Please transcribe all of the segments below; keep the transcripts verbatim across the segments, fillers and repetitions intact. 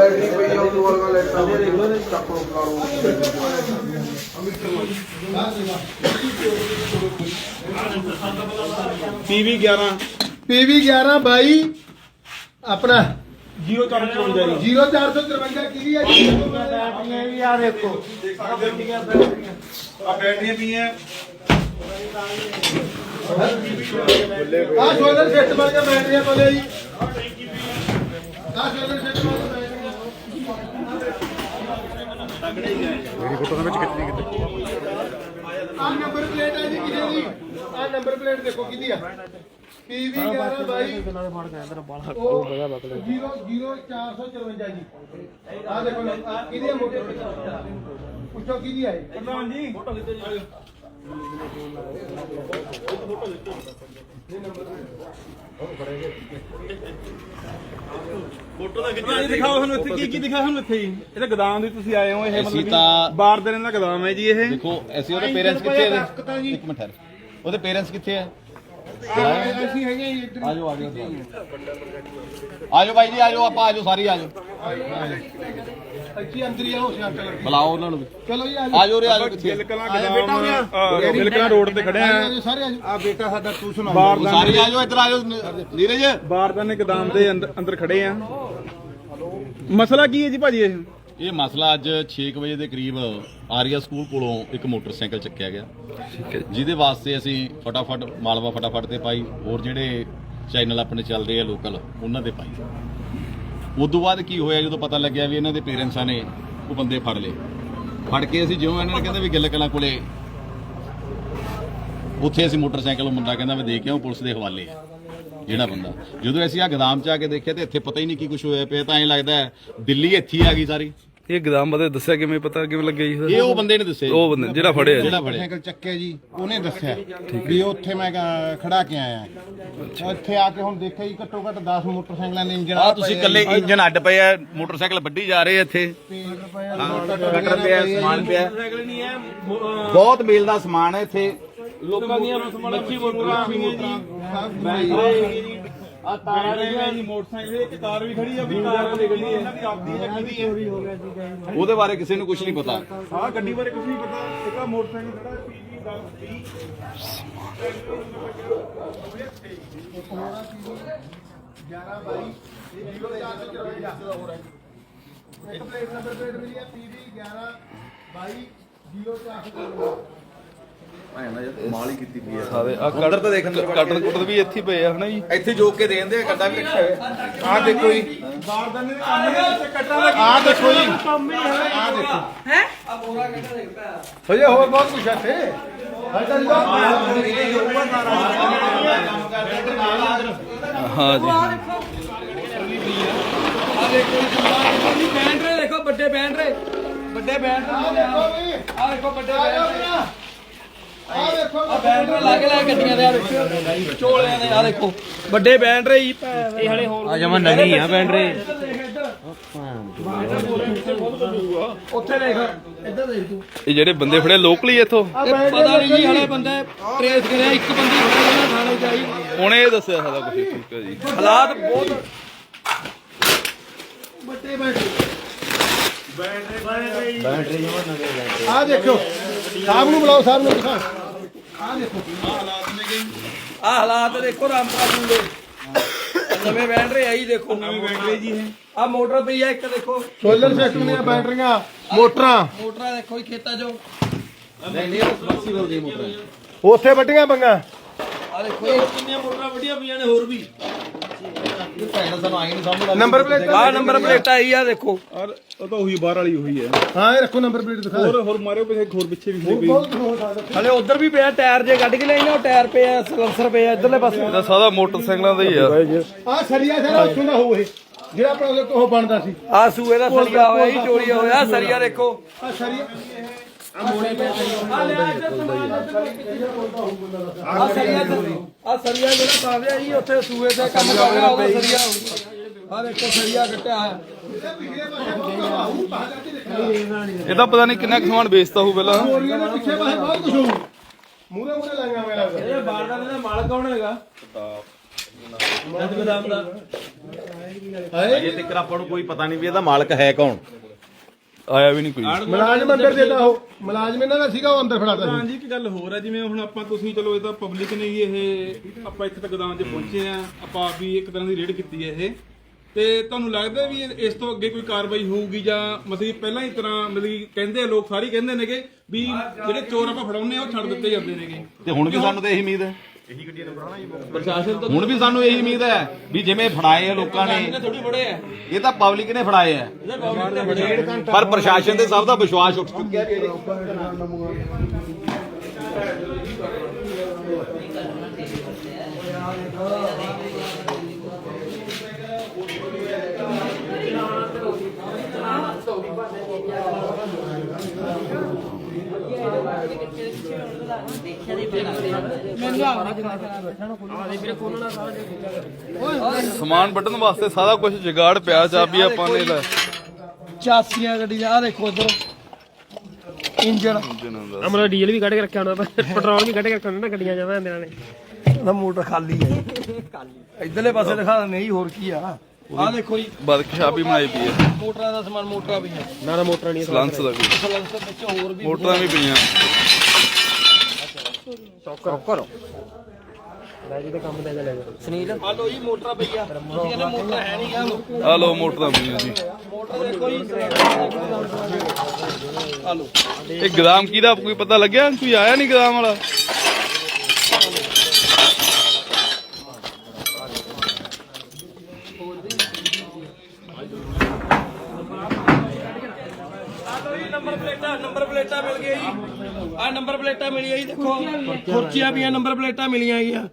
Battery पई है उस वाला लेटा चक्को कारो पीवी ग्यारह पीवी ग्यारह बाई अपना जीरो चार सौ चौवंजा जीरो चार सौ तिरवंजा की है यार देखो बैटरियां भी हैं आ सोलर सेट वाली बैटरियां बोले जी आ सोलर सेट वाली मेरी फोटो में कितनी कितनी आ नंबर प्लेट है जी किसी दी आ नंबर प्लेट देखो किदी है पीवी ग्यारह बाई जीरो जीरो चार सौ चौवंजा जी आ देखो किदी है मोटर पूछो किदी है प्रधान जी फोटो फोटो ਦਾ ਕਿੱਥੇ ਦਿਖਾਓ ਸਾਨੂੰ ਇੱਥੇ ਕੀ ਕੀ ਦਿਖਾ ਸਾਨੂੰ ਇੱਥੇ ਜੀ ਇਹ ਤਾਂ ਗੋਦਾਮ ਦੀ ਤੁਸੀਂ ਆਏ ਹੋ ਇਹ ਮਤਲਬ ਬਾਰ ਦੇ ਦਾ ਗੋਦਾਮ ਹੈ ਜੀ ਇਹ ਦੇਖੋ ਅਸੀਂ ਉਹਦੇ ਪੇਰੈਂਟਸ ਕਿੱਥੇ ਹੈ ਇੱਕ ਮਿੰਟ ਠਹਿਰ ਉਹਦੇ ਪੇਰੈਂਟਸ ਕਿੱਥੇ ਹੈ ਅਸੀਂ ਹੈਗੇ ਇੱਧਰ ਆਜੋ ਆਜੋ ਆਜੋ ਭਾਈ ਜੀ ਆਜੋ ਆਪਾਂ ਆਜੋ ਸਾਰੀ ਆਜੋ ਇੱਥੇ ਅੰਦਰ ਹੀ ਆਓ ਸੀ ਅੰਕਲ ਬੁਲਾਓ ਉਹਨਾਂ ਨੂੰ ਚਲੋ ਜੀ ਆਜੋ ਰੇ ਆਜੋ ਕਿੱਥੇ ਗਿਲਕਲਾਂ ਗੋਦਾਮ ਗਿਲਕਲਾਂ ਰੋਡ ਤੇ ਖੜੇ ਆ ਸਾਰੇ ਆਜੋ ਆ ਬੇਟਾ ਸਾਡਾ ਤੂੰ ਸੁਣਾ ਸਾਰੀ ਆਜੋ ਇੱਧਰ ਆਜੋ ਨੀਰਜ ਬਾਰਦਾਨੇ ਗੋਦਾਮ ਦੇ ਅੰਦਰ ਅੰਦਰ ਖੜੇ ਆ ਮਸਲਾ ਕੀ ਹੈ ਜੀ ਭਾਜੀ ਇਹ ਇਹ ਮਸਲਾ ਅੱਜ ਛੇ ਵਜੇ ਦੇ ਕਰੀਬ ਆਰੀਆ ਸਕੂਲ ਕੋਲੋਂ ਇੱਕ ਮੋਟਰਸਾਈਕਲ ਚੱਕਿਆ ਗਿਆ ਜਿਹਦੇ ਵਾਸਤੇ ਅਸੀਂ ਫਟਾਫਟ ਮਾਲਵਾ ਫਟਾਫਟ ਤੇ ਪਾਈ ਹੋਰ ਜਿਹੜੇ ਚੈਨਲ ਆਪਣੇ ਚੱਲਦੇ ਆ ਲੋਕਲ ਉਹਨਾਂ ਦੇ ਪਾਈ ਉਦੋਂ ਬਾਅਦ ਕੀ ਹੋਇਆ ਜਦੋਂ ਪਤਾ ਲੱਗਿਆ ਵੀ ਇਹਨਾਂ ਦੇ ਪੇਰੈਂਟਸਾਂ ਨੇ ਉਹ ਬੰਦੇ ਫੜ ਲਏ ਫੜ ਕੇ ਅਸੀਂ ਜਿਉਂ ਇਹਨਾਂ ਨੇ ਕਹਿੰਦੇ ਵੀ ਗਿੱਲ ਕਲਾਂ ਕੋਲੇ ਉੱਥੇ ਅਸੀਂ ਮੋਟਰਸਾਈਕਲ ਮੁੰਡਾ ਕਹਿੰਦਾ ਮੈਂ ਦੇ ਕੇ ਆਉਂ ਪੁਲਿਸ ਦੇ ਹਵਾਲੇ ਆ ਜਿਹੜਾ ਬੰਦਾ ਜਦੋਂ ਅਸੀਂ ਆ ਗੋਦਾਮ ਚ ਆ ਕੇ ਦੇਖਿਆ ਤੇ ਇੱਥੇ ਪਤਾ ਹੀ ਨਹੀਂ ਕੀ ਕੁਝ ਹੋਇਆ ਪਿਆ ਤਾਂ ਐਂ ਲੱਗਦਾ ਦਿੱਲੀ ਇੱਥੇ ਆ ਗਈ ਸਾਰੀ ਇਹ ਗੋਦਾਮ ਬਾਰੇ ਦੱਸਿਆ ਕਿਵੇਂ ਪਤਾ ਕਿਵੇਂ ਲੱਗਿਆ ਜੀ ਇਹ ਉਹ ਬੰਦੇ ਨੇ ਦੱਸਿਆ ਉਹ ਬੰਦੇ ਜਿਹੜਾ ਫੜਿਆ ਜਿਹੜਾ ਫੜਿਆ ਸਾਈਕਲ ਚੱਕਿਆ ਜੀ ਉਹਨੇ ਦੱਸਿਆ ਵੀ ਉੱਥੇ ਮੈਂ ਖੜਾ ਕੇ ਆਇਆ ਇੱਥੇ ਆ ਕੇ ਹੁਣ ਦੇਖਿਆ ਜੀ ਘੱਟੋ ਘੱਟ ਦਸ ਮੋਟਰਸਾਈਕਲਾਂ ਦੇ ਇੰਜਨ ਆ ਤੁਸੀਂ ਇਕੱਲੇ ਇੰਜਨ ਅੱਡ ਪਏ ਆ ਮੋਟਰਸਾਈਕਲ ਵੱਢੀ ਜਾ ਰਹੇ ਇੱਥੇ ਕਟਰ ਪਿਆ ਸਮਾਨ ਪਿਆ ਬਹੁਤ ਮੇਲ ਦਾ ਸਮਾਨ ਹੈ ਇੱਥੇ ਲੋਕਾਂ ਦੀਆਂ ਮੱਛੀ ਮੋਟਰਾਂ ਵੀ ਹੈ ਜੀ ਆ ਤਾਰਾਂ ਲੱਗੀਆਂ ਜੀ ਮੋਟਰਸਾਈਕਲ ਇੱਕ ਕਾਰ ਵੀ ਖੜੀ ਆ ਵੀ ਕਾਰ ਨਿਕਲੀ ਹੈ ਇਹਨਾਂ ਦੀ ਆਪਦੀ ਹੈ ਕਿਹਦੀ ਹੈ ਉਹਦੇ ਬਾਰੇ ਕਿਸੇ ਨੂੰ ਕੁਝ ਨਹੀਂ ਪਤਾ ਹਾਂ ਗੱਡੀ ਬਾਰੇ ਕੁਝ ਨਹੀਂ ਪਤਾ ਇੱਕ ਆ ਮੋਟਰਸਾਈਕਲ ਖੜਾ ਪੀਜੀ ਦਸ ਗਿਆਰਾਂ ਬਾਈ ਜ਼ੀਰੋ ਚਾਰ ਸੌ ਚੌਵੰਜਾ ਇੱਕ ਪਲੇਟ ਨੰਬਰ ਪਲੇਟ ਮਿਲੀ ਹੈ ਪੀਵੀ ਗਿਆਰਾਂ ਬਾਈ ਜ਼ੀਰੋ ਚਾਰ ਸੌ ਚੌਵੰਜਾ ਮਾਲ ਹੀ ਕੀਤੀ ਪਈ ਸਾਰੇ ਆ ਕਟਰ ਤਾਂ ਦੇਖ ਅੰਦਰ ਕਟਰ ਕੁਟਰ ਵੀ ਇੱਥੇ ਪਏ ਆ ਹਨਾ ਜੀ ਇੱਥੇ ਜੋਕ ਕੇ ਦੇ ਦਿੰਦੇ ਆ ਕੱਡਾ ਵੀ ਰੱਖਿਆ ਹੋਇਆ ਆ ਦੇਖੋ ਜੀ ਬਾਰਦਾਨੇ ਦੇ ਕੰਮ ਦੇ ਵਿੱਚ ਕੱਟਾਂ ਦਾ ਆ ਦੇਖੋ ਜੀ ਕੰਮ ਹੀ ਹੈ ਆ ਦੇਖੋ ਹੈ ਆ ਬੋਰਾ ਕਿੱਥੇ ਦੇਖ ਪਿਆ ਹਜੇ ਹੋਰ ਬਹੁਤ ਕੁਝ ਹੈ ਇੱਥੇ ਹਾਂ ਜੀ ਆ ਦੇਖੋ ਜੀ ਬੈਂਡਰੇ ਦੇਖੋ ਵੱਡੇ ਬੈਂਡਰੇ ਵੱਡੇ ਬੈਂਡਰੇ ਆ ਦੇਖੋ ਵੱਡੇ ਬੈਂਡਰੇ ਆ ਦੇਖੋ ਆ ਬੈਂਡਰੇ ਲੱਗ ਲੈ ਗੱਡੀਆਂ ਦੇ ਆ ਦੇਖੋ ਚੋਲਿਆਂ ਦੇ ਆ ਦੇਖੋ ਵੱਡੇ ਬੈਂਡਰੇ ਹੀ ਇਹ ਹਲੇ ਹੋਰ ਆ ਜਮਾ ਨਵੀਂ ਆ ਬੈਂਡਰੇ ਉੱਥੇ ਦੇਖ ਇੱਧਰ ਦੇਖ ਤੂੰ ਇਹ ਜਿਹੜੇ ਬੰਦੇ ਫੜੇ ਲੋਕਲੀ ਇੱਥੋਂ ਪਤਾ ਨਹੀਂ ਜੀ ਹਲੇ ਬੰਦੇ ਟ੍ਰੇਸ ਕਰਿਆ ਇੱਕ ਬੰਦੀ ਫੜਿਆ ਥਾਣੇ ਚ ਆਈ ਉਹਨੇ ਇਹ ਦੱਸਿਆ ਸਾਰਾ ਕੁਝ ਠੀਕ ਹੈ ਜੀ ਹਾਲਾਤ ਬਹੁਤ ਵੱਡੇ ਬੈਟਰੀ ਬੈਟਰੀ ਜਮਾ ਨਵੇਂ ਬੈਟਰੀ ਆ ਦੇਖੋ ਸਾਹਿਬ ਨੂੰ ਬੁਲਾਓ ਸਾਹਿਬ ਨੂੰ ਦਿਖਾ ਆ ਦੇਖੋ ਆ ਹਾਲਾਤ ਦੇਖੋ ਰਾਮਪੁਰਾ ਦੇ ਨਵੇਂ ਬੈਟਰੀ ਆਈ ਦੇਖੋ ਨਵੇਂ ਬੈਟਰੀ ਜੀ ਇਹ ਆ ਮੋਟਰ ਪਈ ਆ ਇੱਕ ਦੇਖੋ ਸੋਲਰ ਸਿਸਟਮ ਦੀਆਂ ਬੈਟਰੀਆਂ ਮੋਟਰਾਂ ਮੋਟਰਾਂ ਦੇਖੋ ਜੀ ਖੇਤਾਂ ਚੋਂ ਨਹੀਂ ਨਹੀਂ ਸਬਸਿਬਲ ਦੀ ਮੋਟਰ ਉੱਥੇ ਵੱਡੀਆਂ ਪੰਗਾ ਆ ਦੇਖੋ ਜੀ ਕਿੰਨੀਆਂ ਮੋਟਰਾਂ ਵੱਡੀਆਂ ਪਈਆਂ ਨੇ ਹੋਰ ਵੀ ਭੈਣ ਸਾਨੂੰ ਆਈ ਨਹੀਂ ਸਮਝ ਨੰਬਰ ਪਲੇਟ ਆ ਨੰਬਰ ਪਲੇਟ ਆਈ ਆ ਦੇਖੋ ਔਰ ਉਹ ਤਾਂ ਉਹੀ ਬਾਹਰ ਵਾਲੀ ਉਹੀ ਹੈ ਹਾਂ ਇਹ ਰੱਖੋ ਨੰਬਰ ਪਲੇਟ ਦਿਖਾ ਹੋਰ ਹੋਰ ਮਾਰਿਓ ਪਿੱਛੇ ਹੋਰ ਪਿੱਛੇ ਵੀ ਖੜੀ ਬਹੁਤ ਹੋ ਸਕਦਾ ਹਲੇ ਉਧਰ ਵੀ ਪਿਆ ਟਾਇਰ ਜੇ ਕੱਢ ਕੇ ਲੈਣੇ ਉਹ ਟਾਇਰ ਪਿਆ ਸਲੈਂਸਰ ਪਿਆ ਇਧਰਲੇ ਪਾਸੇ ਇਹਦਾ ਸਾਰਾ ਮੋਟਰਸਾਈਕਲਾਂ ਦਾ ਹੀ ਆ ਆ ਸਰੀਆ ਸਾਰਾ ਉੱਥੋਂ ਦਾ ਹੋਊ ਇਹ ਜਿਹੜਾ ਆਪਣਾ ਉਹ ਬਣਦਾ ਸੀ ਆ ਸੂਏ ਦਾ ਸਰੀਆ ਹੋਇਆ ਜੀ ਚੋਰੀ ਹੋਇਆ ਸਰੀਆ ਦੇਖੋ ਆ ਸਰੀਆ ਆ ਸਰੀਆ ਆ ਸਰੀਆ ਜਿਹੜਾ ਪਾਵਿਆ ਜੀ ਉੱਥੇ ਸੂਏ ਦਾ ਕੰਮ ਕਰ ਰਿਹਾ ਉਹ ਸਰੀਆ ਆ ਦੇਖੋ ਸਰੀਆ ਕੱਟਿਆ ਹੈ ਇਹਦਾ ਪਤਾ ਨਹੀਂ ਕਿੰਨਾ ਕੁ ਸਮਾਨ ਵੇਚਦਾ ਹੋਊ ਪਹਿਲਾਂ ਮੋਰੀਆਂ ਦੇ ਪਿੱਛੇ ਪਾਸੇ ਬਹੁਤ ਕੁਝ ਹੋਊ ਮੂਰੇ ਮੂਰੇ ਲਾਈਆਂ ਮੇਰਾ ਇਹ ਬਾਰਦਾਨੇ ਦਾ ਮਾਲਕ ਕੌਣ ਹੈਗਾ ਨਦ ਗੋਦਾਮ ਦਾ ਅਜੇ ਤੱਕ ਆਪਾਂ ਨੂੰ ਕੋਈ ਪਤਾ ਨਹੀਂ ਵੀ ਇਹਦਾ ਮਾਲਕ ਹੈ ਕੌਣ। ਆਇਆ ਵੀ ਨਹੀਂ ਕੋਈ। ਮੁਲਾਜ਼ਮ ਅੰਦਰ ਦੇਦਾ ਉਹ ਮੁਲਾਜ਼ਮ ਇਹਨਾਂ ਦਾ ਸੀਗਾ ਉਹ ਅੰਦਰ ਫੜਾਤਾ ਹਾਂ ਜੀ, ਇੱਕ ਗੱਲ ਹੋਰ ਹੈ, ਜਿਵੇਂ ਹੁਣ ਆਪਾਂ ਤੁਸੀਂ ਚਲੋ ਇਹ ਤਾਂ ਪਬਲਿਕ ਨੇ ਹੀ ਇਹ ਆਪਾਂ ਇੱਥੇ ਤੱਕ ਗੋਦਾਮ 'ਚ ਪਹੁੰਚੇ ਆ, ਆਪਾਂ ਵੀ ਇੱਕ ਤਰ੍ਹਾਂ ਦੀ ਰੇਡ ਕੀਤੀ ਹੈ ਇਹ, ਤੇ ਤੁਹਾਨੂੰ ਲੱਗਦਾ ਵੀ ਇਸ ਤੋਂ ਅੱਗੇ ਕੋਈ ਕਾਰਵਾਈ ਹੋਊਗੀ ਜਾਂ ਮਤਲਬ ਪਹਿਲਾਂ ਹੀ ਤਰ੍ਹਾਂ ਮਤਲਬ ਕਹਿੰਦੇ ਆ ਲੋਕ ਸਾਰੇ ਕਹਿੰਦੇ ਨੇਗੇ ਵੀ ਜਿਹੜੇ ਚੋਰ ਆਪਾਂ ਫੜਾਉਂਦੇ ਆ ਉਹ ਛੱਡ ਦਿੱਤੇ ਜਾਂਦੇ ਨੇਗੇ, ਤੇ ਹੁਣ ਵੀ ਸਾਨੂੰ ਤਾਂ ਇਹੀ ਉਮੀਦ ਹੈ, ਪ੍ਰਸ਼ਾਸਨ ਤੋਂ ਹੁਣ ਵੀ ਸਾਨੂੰ ਇਹੀ ਉਮੀਦ ਹੈ ਵੀ ਜਿਵੇਂ ਫੜਾਏ ਆ ਲੋਕਾਂ ਨੇ ਥੋੜੀ ਫੜੇ ਆ, ਇਹ ਤਾਂ ਪਬਲਿਕ ਨੇ ਫੜਾਏ ਆ, ਪਰ ਪ੍ਰਸ਼ਾਸਨ ਤੇ ਸਭ ਦਾ ਵਿਸ਼ਵਾਸ ਉੱਠ ਚੁੱਕਿਆ ਜੀ। ਸਮਾਨ ਵੱਢਣ ਵਾਸਤੇ ਸਾਰਾ ਕੁਝ ਜੁਗਾੜ ਪਿਆ, ਚਾਬੀ ਆਪਾਂ ਨੇ ਲੈ ਚਾਸੀਆਂ ਗੱਡੀ ਦਾ, ਆ ਦੇਖੋ ਇਧਰ ਇੰਜਨ ਅਮਰਾ ਡੀਜ਼ਲ ਵੀ ਕੱਢ ਕੇ ਰੱਖਿਆ ਹੋਣਾ, ਪੈਟਰੋਲ ਵੀ ਕੱਢ ਕੇ ਰੱਖਿਆ ਹੋਣਾ ਨਾ ਗੱਡੀਆਂ ਜਾਵਾਂ ਇਹਨਾਂ ਨੇ। ਨਾ ਮੋਟਰ ਖਾਲੀ ਹੈ ਇਧਰਲੇ ਪਾਸੇ ਦਿਖਾ ਦਿੰਦੇ ਜੀ, ਹੋਰ ਕੀ ਆ। ਆ ਦੇਖੋ ਜੀ ਵਰਕਸ਼ਾਪ ਵੀ ਬਣਾਈ ਪਈ ਹੈ, ਮੋਟਰਾਂ ਦਾ ਸਮਾਨ, ਮੋਟਰਾਂ ਵੀ ਹੈ, ਨਾ ਨਾ ਮੋਟਰਾਂ ਨਹੀਂ ਸਲੰਸ ਦਾ ਵੀ, ਸਲੈਂਸਰ ਵਿੱਚ ਹੋਰ ਵੀ ਮੋਟਰਾਂ ਵੀ ਪਈਆਂ। ਕਰੋ ਲੈ ਜੀ ਤੇ ਕੰਮ ਦੇ ਲੈ ਜਾਓ ਸੁਨੀਲ। ਆ ਲੋ ਜੀ ਮੋਟਰਾਂ ਪਈਆ, ਅਸੀਂ ਕਹਿੰਦੇ ਮੋਟਰ ਹੈ ਨਹੀਂ ਗਾ, ਆ ਲੋ ਮੋਟਰਾਂ ਪਈਆਂ ਜੀ। ਮੋਟਰ ਦੇਖੋ ਜੀ। ਆ ਲੋ ਇਹ ਗ੍ਰਾਮ ਕਿਹਦਾ ਕੋਈ ਪਤਾ ਲੱਗਿਆ? ਕੋਈ ਆਇਆ ਨਹੀਂ ਗ੍ਰਾਮ ਵਾਲਾ? ਨੰਬਰ ਪਲੇਟਾਂ ਨੰਬਰ ਪਲੇਟਾਂ ਮਿਲ ਗਈਆਂ ਜੀ, ਆ ਨੰਬਰ ਪਲੇਟਾਂ ਮਿਲੀਆਂ ਜੀ, ਦੇਖੋ ਖੁਰਚੀਆਂ ਪਈਆਂ, ਨੰਬਰ ਪਲੇਟਾਂ ਮਿਲੀਆਂ ਗਈਆਂ।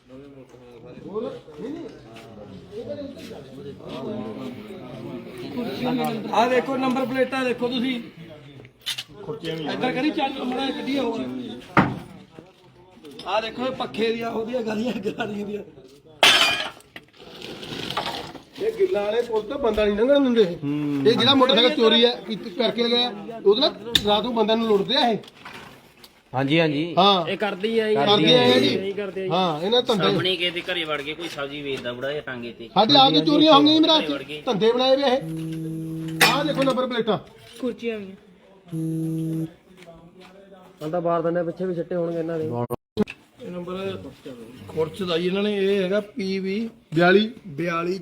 ਆ ਦੇਖੋ ਨੰਬਰ ਪਲੇਟਾਂ ਦੇਖੋ ਤੁਸੀਂ, ਇੱਧਰ ਕਰੀ ਚੱਲ ਮੜਾ ਕੱਢੀ ਹੋਰ। ਆ ਦੇਖੋ ਇਹ ਪੱਖੇ ਦੀਆਂ ਉਹਦੀਆਂ ਗਾਲੀਆਂ ਗਾਲੀਆਂ ਦੀਆਂ। ਇਹ ਗਿੱਲਾਂ ਵਾਲੇ ਪੁਲ ਤੋਂ ਬੰਦਾ ਨਹੀਂ ਲੰਘਣ ਦਿੰਦੇ ਇਹ ਜਿਹੜਾ ਮੋਟਰਸਾਈਕਲ ਚੋਰੀ ਹੈ ਕੀਤੀ- ਕਰਕੇ ਗਿਆ ਉਹਦੇ ਨਾਲ ਰਾਤ ਨੂੰ ਬੰਦਿਆਂ ਨੂੰ ਲੁੱਟਦੇ ਆ ਇਹ। ਹਾਂਜੀ ਹਾਂਜੀ ਹਾਂ ਇਹ ਕਰਦੀ ਆ ਕਰਦੇ ਆ ਇਹ ਜੀ। ਨਹੀਂ ਕਰਦੇ ਆ ਹਾਂ ਇਹਨਾਂ ਧੰਦੇ ਆਪਣੀ ਕਿਸੇ ਦੇ ਘਰੇ ਵੜ ਕੇ ਕੋਈ ਸਬਜ਼ੀ ਵੇਚਦਾ ਬੁੜਾ ਜਿਹਾ ਟਾਂਗੇ ਤੇ ਸਾਡੇ ਆਪ ਦੀ ਚੋਰੀਆਂ ਹੋ ਗਈਆਂ ਮੇਰਾ ਧੰਦੇ ਬਣਾਏ ਵੇ ਇਹ। ਆਹ ਦੇਖੋ ਨੰਬਰ ਪਲੇਟਾਂ ਕੁਰਚੀਆਂ ਵੀ ਤਾਂ ਬਾਹਰ ਦੰਦੇ ਪਿੱਛੇ ਵੀ ਛੱਟੇ ਹੋਣਗੇ ਇਹਨਾਂ ਦੇ। ਇਹ ਨੰਬਰ ਖੁਰਚ ਦਾ ਜੀ ਇਹਨਾਂ ਨੇ, ਇਹ ਹੈਗਾ ਪੀ ਵੀ ਬਿਆਲੀ ਬਿਆਲੀ।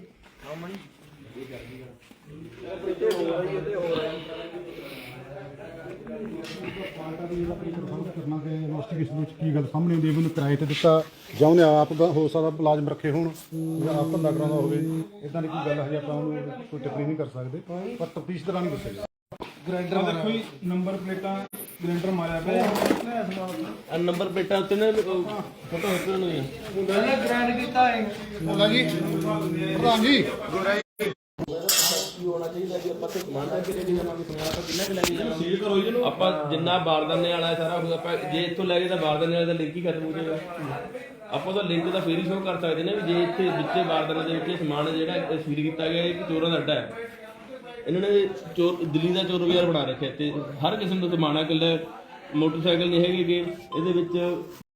ਕਰਨਾ ਕਿ ਇਨਵੈਸਟੀਗੇਸ਼ਨ ਵਿੱਚ ਕੀ ਗੱਲ ਸਾਹਮਣੇ ਆਉਂਦੀ ਹੈ, ਮੈਨੂੰ ਕਿਰਾਏ ਤੇ ਦਿੱਤਾ ਜਾਂ ਉਹਨੇ ਆਪ ਦਾ ਹੋ ਸਕਦਾ ਮੁਲਾਜ਼ਮ ਰੱਖੇ ਹੋਣ ਜਾਂ ਆਪ ਧੰਦਾ ਕਰਾਉਂਦਾ ਹੋਵੇ, ਇਦਾਂ ਦੀ ਕੋਈ ਗੱਲ ਹੈ ਆਪਾਂ ਉਹਨੂੰ ਕੋਈ ਟਿੱਪਣੀ ਨਹੀਂ ਕਰ ਸਕਦੇ, ਪਰ ਤਫਤੀਸ਼ ਦੌਰਾਨ ਹੀ ਦੱਸੇਗਾ। ਗ੍ਰਾਈਂਡਰ ਦੇਖੋ ਜੀ, ਨੰਬਰ ਪਲੇਟਾਂ ਗ੍ਰਾਈਂਡਰ ਮਾਰਿਆ ਪਿਆ, ਨੰਬਰ ਪਲੇਟਾਂ ਉੱਤੇ ਨਾ ਫੋਟੋ ਉੱਤੇ ਨੂੰ ਪਹਿਲਾਂ ਗ੍ਰੈਂਡ ਕੀਤਾ ਹੈ। ਹੋਗਾ ਜੀ ਪ੍ਰਧਾਨ ਜੀ ਆਪਾਂ ਜਿੰਨਾ ਬਾਰਦਾਨੇ ਵਾਲਾ ਸਾਰਾ ਹੋਊਗਾ, ਆਪਾਂ ਜੇ ਇੱਥੋਂ ਲੈ ਗਏ ਤਾਂ ਬਾਰਦਾਨੇ ਵਾਲੇ ਦਾ ਲਿੰਕ ਹੀ ਖਤਮ ਹੋ ਜਾਏਗਾ। ਆਪਾਂ ਤਾਂ ਲਿੰਕ ਤਾਂ ਫੇਰ ਹੀ ਸ਼ੋਅ ਕਰ ਸਕਦੇ ਨੇ ਵੀ ਜੇ ਇੱਥੇ ਵਿੱਚੇ ਬਾਰਦਾਨੇ ਦੇ ਵਿੱਚ ਸਮਾਨ ਜਿਹੜਾ ਫੀਡ ਕੀਤਾ ਗਿਆ ਇਹ ਚੋਰਾਂ ਦਾ ਅੱਡਾ ਹੈ। ਇਹਨਾਂ ਨੇ ਚੋਰ ਦਿੱਲੀ ਦਾ ਚੋਰ ਬਾਜ਼ਾਰ ਬਣਾ ਰੱਖਿਆ ਤੇ ਹਰ ਕਿਸਮ ਦਾ ਸਮਾਨ ਹੈ, ਇਕੱਲੇ ਮੋਟਰਸਾਈਕਲ ਨਹੀਂ ਹੈਗੇ ਗੇ ਇਹਦੇ ਵਿੱਚ।